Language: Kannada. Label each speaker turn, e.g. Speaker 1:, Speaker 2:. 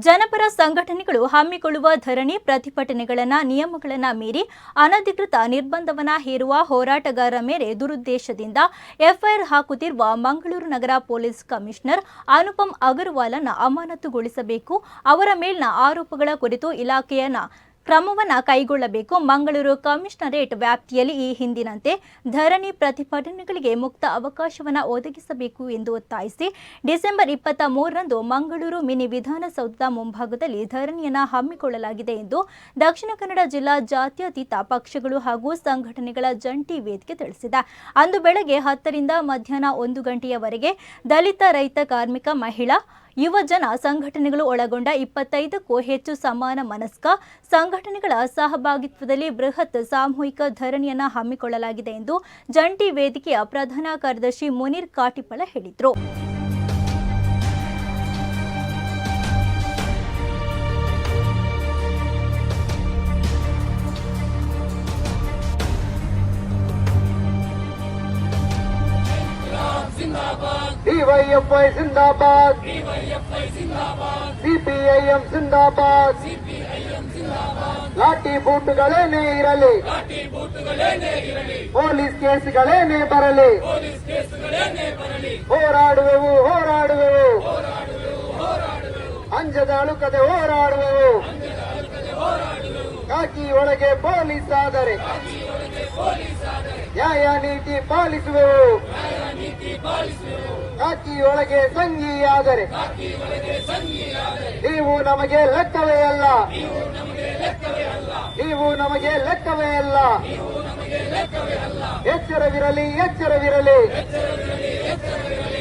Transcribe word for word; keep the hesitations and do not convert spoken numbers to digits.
Speaker 1: ಜನಪರ ಸಂಘಟನೆಗಳು ಹಮ್ಮಿಕೊಳ್ಳುವ ಧರಣಿ ಪ್ರತಿಭಟನೆಗಳನ್ನು ನಿಯಮಗಳನ್ನು ಮೀರಿ ಅನಧಿಕೃತ ನಿರ್ಬಂಧವನ್ನು ಹೇರುವ ಹೋರಾಟಗಾರರ ಮೇಲೆ ದುರುದ್ದೇಶದಿಂದ ಎಫ್ಐಆರ್ ಹಾಕುತ್ತಿರುವ ಮಂಗಳೂರು ನಗರ ಪೊಲೀಸ್ ಕಮಿಷನರ್ ಅನುಪಮ್ ಅಗರ್ವಾಲ್ನ ಅಮಾನತುಗೊಳಿಸಬೇಕು. ಅವರ ಮೇಲಿನ ಆರೋಪಗಳ ಕುರಿತು ಇಲಾಖೆಯನ್ನ ಕ್ರಮವನ್ನು ಕೈಗೊಳ್ಳಬೇಕು. ಮಂಗಳೂರು ಕಮಿಷನರೇಟ್ ವ್ಯಾಪ್ತಿಯಲ್ಲಿ ಈ ಹಿಂದಿನಂತೆ ಧರಣಿ ಪ್ರತಿಭಟನೆಗಳಿಗೆ ಮುಕ್ತ ಅವಕಾಶವನ್ನು ಒದಗಿಸಬೇಕು ಎಂದು ಒತ್ತಾಯಿಸಿ ಡಿಸೆಂಬರ್ ಇಪ್ಪತ್ತ ಮೂರರಂದು ಮಂಗಳೂರು ಮಿನಿ ವಿಧಾನಸೌಧದ ಮುಂಭಾಗದಲ್ಲಿ ಧರಣಿಯನ್ನು ಹಮ್ಮಿಕೊಳ್ಳಲಾಗಿದೆ ಎಂದು ದಕ್ಷಿಣ ಕನ್ನಡ ಜಿಲ್ಲಾ ಜಾತ್ಯತೀತ ಪಕ್ಷಗಳು ಹಾಗೂ ಸಂಘಟನೆಗಳ ಜಂಟಿ ವೇದಿಕೆ ತಿಳಿಸಿದೆ. ಅಂದು ಬೆಳಗ್ಗೆ ಹತ್ತರಿಂದ ಮಧ್ಯಾಹ್ನ ಒಂದು ಗಂಟೆಯವರೆಗೆ ದಲಿತ, ರೈತ, ಕಾರ್ಮಿಕ, ಮಹಿಳಾ, ಯುವ ಜನ ಸಂಘಟನೆಗಳು ಒಳಗೊಂಡ ಇಪ್ಪತ್ತೈದಕ್ಕೂ ಹೆಚ್ಚು ಸಮಾನ ಮನಸ್ಕ ಸಂಘಟನೆಗಳ ಸಹಭಾಗಿತ್ವದಲ್ಲಿ ಬೃಹತ್ ಸಾಮೂಹಿಕ ಧರಣಿಯನ್ನು ಹಮ್ಮಿಕೊಳ್ಳಲಾಗಿದೆ ಎಂದು ಜಂಟಿ ವೇದಿಕೆಯ ಪ್ರಧಾನ ಕಾರ್ಯದರ್ಶಿ ಮುನೀರ್ ಕಾಟಿಪಳ ಹೇಳಿದರು.
Speaker 2: ಡಿವೈಎಫ್ಐ ಜಿಂದಾಬಾದ್, ಸಿಪಿಐಎಂ ಜಿಂದಾಬಾದ್, ಲಾಠಿ ಬೂಟುಗಳೇನೇ ಇರಲಿ, ಪೊಲೀಸ್ ಕೇಸ್ಗಳೇನೇ ಬರಲಿ, ಹೋರಾಡುವೆವು ಹೋರಾಡುವೆವು ಅಂಜದ ಅಳುಕದೆ ಹೋರಾಡುವೆವು. ಕಾಕಿ ಒಳಗೆ ಪೊಲೀಸ್ ಆದರೆ ನ್ಯಾಯ ನೀತಿ ಪಾಲಿಸುವೆವು. ಕಾಕಿ ಒಳಗೆ ಸಂಘಿಯಾದರೆ ನೀವು ನಮಗೆ ಲೆಕ್ಕವೇ ಅಲ್ಲ, ನೀವು ನಮಗೆ ಲೆಕ್ಕವೇ ಅಲ್ಲ. ಎಚ್ಚರವಿರಲಿ ಎಚ್ಚರವಿರಲಿ